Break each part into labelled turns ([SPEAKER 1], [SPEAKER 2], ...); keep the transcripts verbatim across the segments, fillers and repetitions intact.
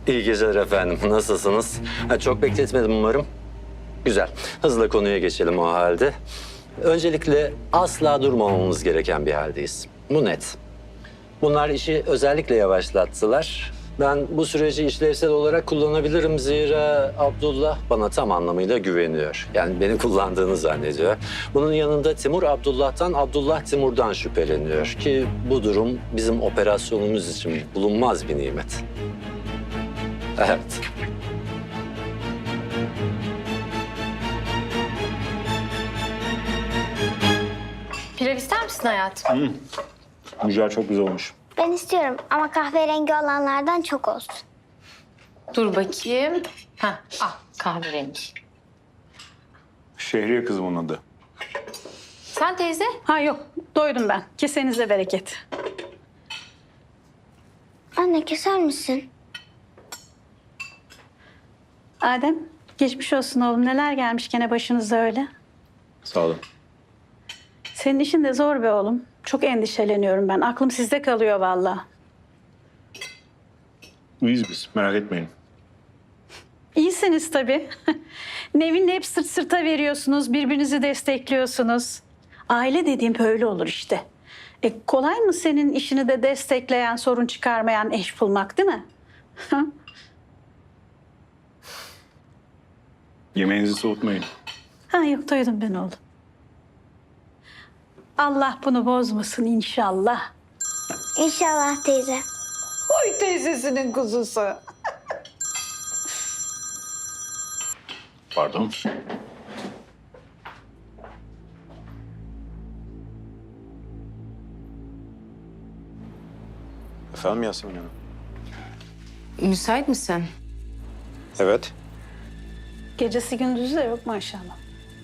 [SPEAKER 1] İyi geceler efendim. Nasılsınız? Ha, çok bekletmedim umarım. Güzel. Hızla konuya geçelim o halde. Öncelikle asla durmamamız gereken bir haldeyiz. Bu net. Bunlar işi özellikle yavaşlattılar. Ben bu süreci işlevsel olarak kullanabilirim zira Abdullah bana tam anlamıyla güveniyor. Yani beni kullandığını zannediyor. Bunun yanında Timur Abdullah'tan, Abdullah Timur'dan şüpheleniyor ki bu durum bizim operasyonumuz için bulunmaz bir nimet. Evet.
[SPEAKER 2] Pilav ister misin hayatım?
[SPEAKER 3] Mücver çok güzel olmuş.
[SPEAKER 4] Ben istiyorum ama kahverengi olanlardan çok olsun.
[SPEAKER 2] Dur bakayım. Ha, ah kahverengi.
[SPEAKER 3] Şehriye kızım onun adı.
[SPEAKER 2] Sen teyze?
[SPEAKER 5] Ha yok, doydum ben. Kesenize bereket.
[SPEAKER 4] Anne keser misin?
[SPEAKER 5] Adem, geçmiş olsun oğlum. Neler gelmiş gene başınıza öyle?
[SPEAKER 3] Sağ olun.
[SPEAKER 5] Senin işin de zor be oğlum. Çok endişeleniyorum ben. Aklım sizde kalıyor vallahi.
[SPEAKER 3] İyiyiz biz, merak etmeyin.
[SPEAKER 5] İyisiniz tabii. Nevin'le hep sırt sırta veriyorsunuz, birbirinizi destekliyorsunuz. Aile dediğim böyle olur işte. E, kolay mı senin işini de destekleyen, sorun çıkarmayan eş bulmak, değil mi?
[SPEAKER 3] Yemeğinizi soğutmayın.
[SPEAKER 5] Ha yok, doydum ben oğlum. Allah bunu bozmasın inşallah.
[SPEAKER 4] İnşallah teyze.
[SPEAKER 5] Oy teyzesinin kuzusu.
[SPEAKER 3] Pardon. Efendim Yasemin Hanım?
[SPEAKER 2] Müsait misin?
[SPEAKER 3] Evet.
[SPEAKER 5] Gecesi gündüzü de yok maşallah.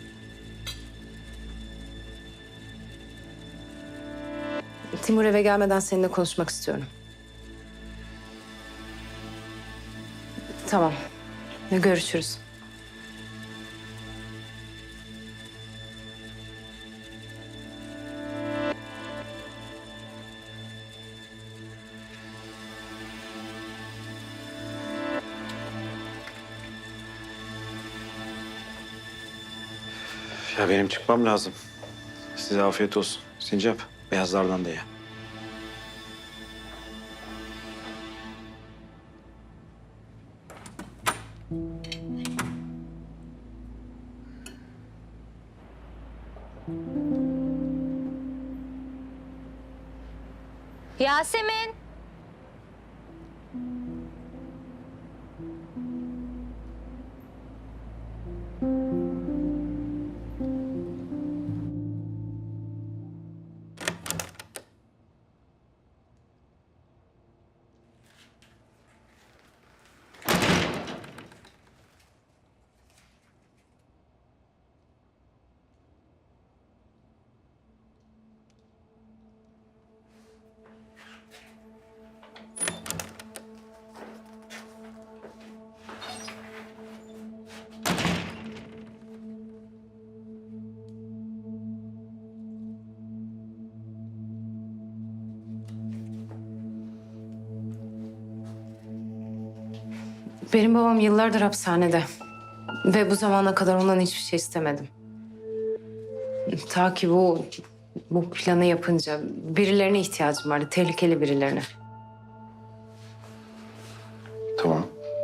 [SPEAKER 2] Timur eve gelmeden seninle konuşmak istiyorum. Tamam. Görüşürüz.
[SPEAKER 6] Ya benim çıkmam lazım. Size afiyet olsun. Sincap, beyazlardan da ye.
[SPEAKER 2] Yasemin. Benim babam yıllardır hapishanede. Ve bu zamana kadar ondan hiçbir şey istemedim. Ta ki bu, bu planı yapınca birilerine ihtiyacım vardı. Tehlikeli birilerine.
[SPEAKER 6] Tamam.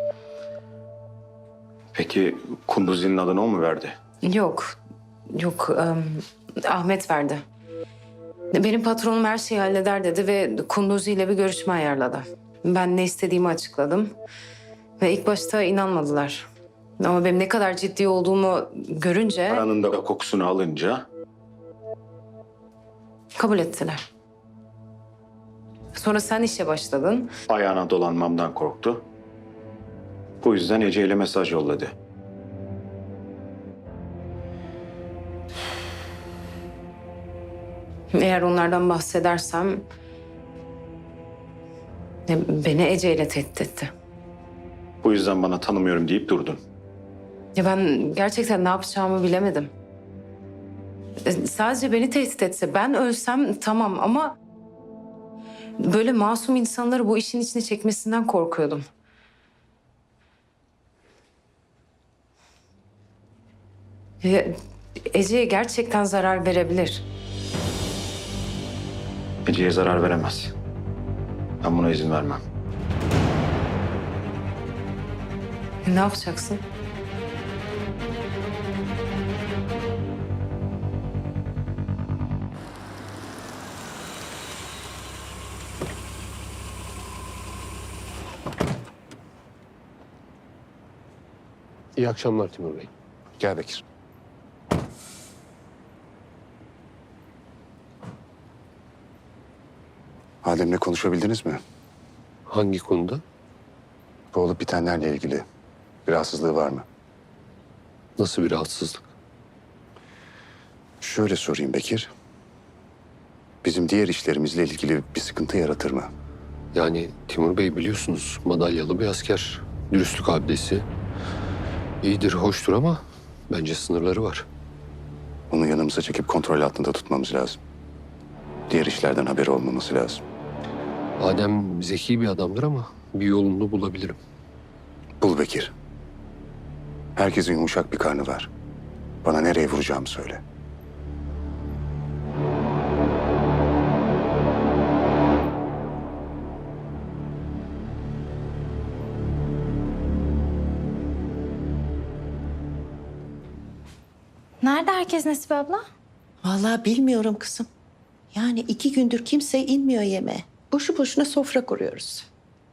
[SPEAKER 6] Peki Kunduzi'nin adını o mu verdi?
[SPEAKER 2] Yok. Yok. em, Ahmet verdi. Benim patronum her şeyi halleder dedi ve Kunduzi ile bir görüşme ayarladı. Ben ne istediğimi açıkladım. Ve ilk başta inanmadılar. Ama benim ne kadar ciddi olduğumu görünce
[SPEAKER 6] Paranın da kokusunu alınca
[SPEAKER 2] kabul ettiler. Sonra sen işe başladın.
[SPEAKER 6] ayağına dolanmamdan korktu. Bu yüzden Ece ile mesaj yolladı.
[SPEAKER 2] Eğer onlardan bahsedersem e, beni Ece ile tehdit etti.
[SPEAKER 6] Bu yüzden bana tanımıyorum deyip durdun.
[SPEAKER 2] Ya ben gerçekten ne yapacağımı bilemedim. E, Sadece beni tehdit etse, ben ölsem tamam ama böyle masum insanları bu işin içine çekmesinden korkuyordum. E, Ece'ye gerçekten zarar verebilir.
[SPEAKER 6] Ece'ye zarar veremez. Ben buna izin vermem.
[SPEAKER 2] Ne yapacaksın?
[SPEAKER 7] İyi akşamlar Timur Bey.
[SPEAKER 6] Gel Bekir.
[SPEAKER 8] Adem'le konuşabildiniz mi?
[SPEAKER 7] Hangi konuda?
[SPEAKER 8] Bu olup bitenlerle ilgili bir rahatsızlığı var mı?
[SPEAKER 7] Nasıl bir rahatsızlık?
[SPEAKER 8] Şöyle sorayım Bekir. Bizim diğer işlerimizle ilgili bir sıkıntı yaratır mı?
[SPEAKER 7] Yani Timur Bey biliyorsunuz madalyalı bir asker. Dürüstlük abidesi. İyidir, hoştur ama bence sınırları var.
[SPEAKER 8] Onu yanımıza çekip kontrol altında tutmamız lazım. Diğer işlerden haberi olmaması lazım.
[SPEAKER 7] Adem zeki bir adamdır ama bir yolunu bulabilirim.
[SPEAKER 8] Bul Bekir. Herkesin yumuşak bir karnı var. Bana nereye vuracağımı söyle.
[SPEAKER 9] Nerede herkes Nesibe abla?
[SPEAKER 10] Vallahi bilmiyorum kızım. Yani iki gündür kimse inmiyor yemeğe. Boşu boşuna sofra kuruyoruz.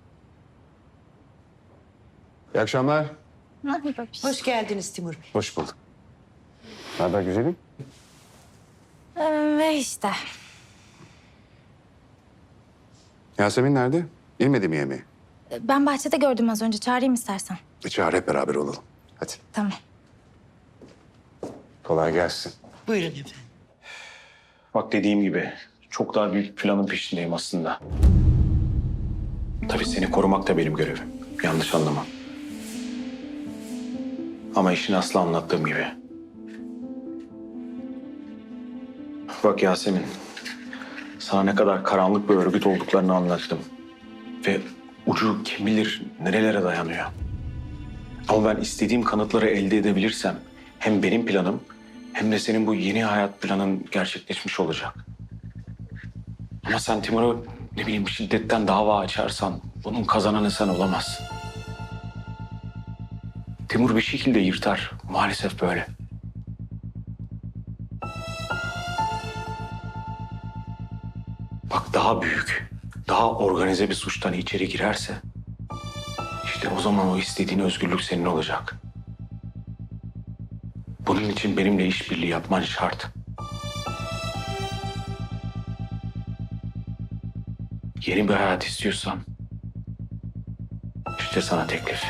[SPEAKER 8] İyi akşamlar.
[SPEAKER 10] Hoş geldiniz Timur Bey.
[SPEAKER 8] Hoş bulduk. Ne haber güzelim?
[SPEAKER 9] Ee, ve işte.
[SPEAKER 8] Yasemin nerede? İnmedi mi yemeğe?
[SPEAKER 9] Ben bahçede gördüm az önce. Çağırayım istersen.
[SPEAKER 8] E çağır hep beraber olalım. Hadi.
[SPEAKER 9] Tamam.
[SPEAKER 8] Kolay gelsin.
[SPEAKER 10] Buyurun efendim.
[SPEAKER 6] Bak dediğim gibi çok daha büyük planın peşindeyim aslında. Tabii seni korumak da benim görevim. Yanlış anlama. Ama işin aslı anlattığım gibi. Bak Yasemin, sana ne kadar karanlık bir örgüt olduklarını anlattım. Ve ucu kim bilir nerelere dayanıyor. Ama ben istediğim kanıtları elde edebilirsem hem benim planım hem de senin bu yeni hayat planın gerçekleşmiş olacak. Ama sen Timur'u ne bileyim şiddetten dava açarsan bunun kazananı sen olamazsın. Timur bir şekilde yırtar. Maalesef böyle. Bak daha büyük, daha organize bir suçtan içeri girerse işte o zaman o istediğin özgürlük senin olacak. Bunun için benimle işbirliği yapman şart. Yeni bir hayat istiyorsan işte sana teklif.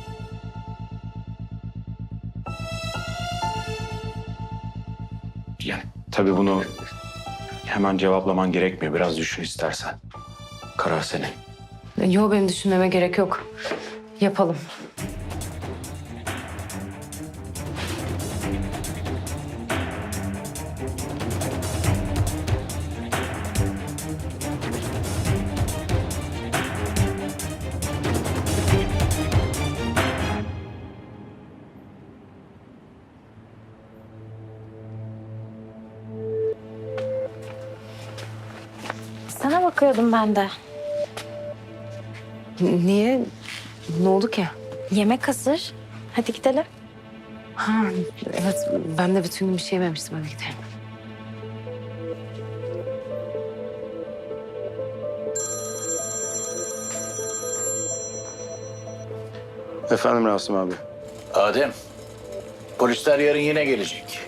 [SPEAKER 6] Yani tabii bunu hemen cevaplaman gerekmiyor. Biraz düşün istersen. Karar senin.
[SPEAKER 2] Yok, benim düşünmeme gerek yok. Yapalım.
[SPEAKER 9] Sana bakıyordum ben de.
[SPEAKER 2] Niye? Ne oldu ki?
[SPEAKER 9] Yemek hazır. Hadi gidelim.
[SPEAKER 2] Ha, evet, ben de bütün gün bir şey yememiştim. Hadi gidelim.
[SPEAKER 6] Efendim Rasim abi.
[SPEAKER 11] Adem, polisler yarın yine gelecek.